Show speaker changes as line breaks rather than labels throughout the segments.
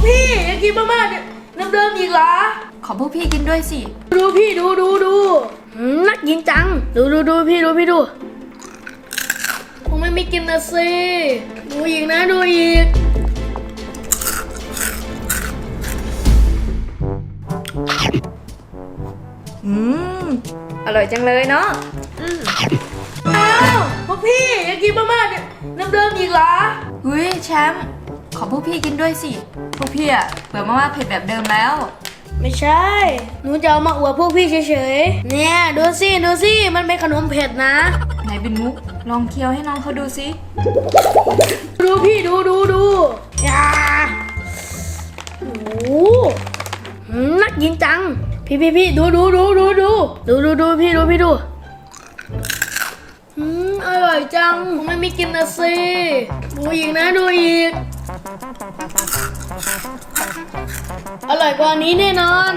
พี่อยากกินมาม่าเนี่ยเดิมๆอีกเหรอ
ขอพวกพี่กินด้วยสิ
ดูพี่ดูน่ากินจังดูพี่ดูผมไม่กินนะสิดูอีกนะดูอีก
อร่อยจังเลยเนาะ
อ้าวพวกพี่อยากกินมาม่าเนี่ยเดิมๆอีกเหรอ
เฮ้ยแชมป์ขอพวกพี่กินด้วยสิพวกพี่อะเบื่อมาม่าเผ็ดแบบเดิมแล้ว
ไม่ใช่หนูจะเอามาอวดพวกพี่เฉยๆเนี่ยดูสิมันเป็นขนมเผ็ดนะ
ไหนเป็นมุกลองเคี้ยวให้น้องเขาดูสิ
ดูพี่ดูอย่าโอ้น่ากินจังพี่ดูพี่ดูอร่อยจังผมไม่กินนะสิดูอีกนะดูอีกอร่อยกว่านี้แน่นอน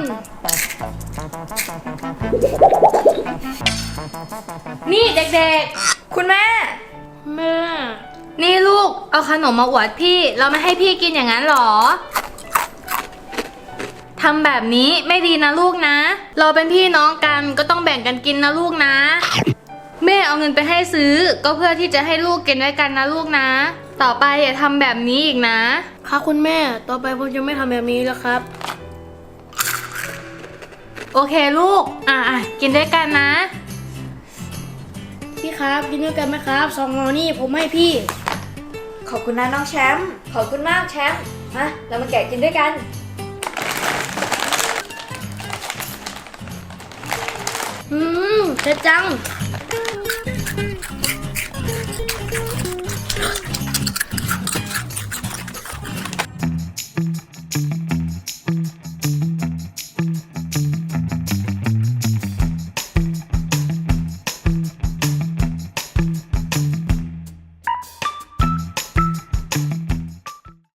นี่เด็กๆคุณแม่นี่ลูกเอาขนมมาอวดพี่เราไม่ให้พี่กินอย่างนั้นหรอทำแบบนี้ไม่ดีนะลูกนะเราเป็นพี่น้องกันก็ต้องแบ่งกันกินนะลูกนะแม่เอาเงินไปให้ซื้อก็เพื่อที่จะให้ลูกกินด้วยกันนะลูกนะต่อไปอย่าทำแบบนี้อีกนะครับ
คุณแม่ต่อไปผมจะไม่ทำแบบนี้แล้วครับ
โอเคลูกกินด้วยกันนะ
พี่ครับกินด้วยกันไหมครับ2 ห่อนี่ผมให้พี่
ขอบคุณนะน้องแชมป์ขอบคุณมากแชมป์มาเรามาแกะกินด้วยกัน
เผ็ดจัง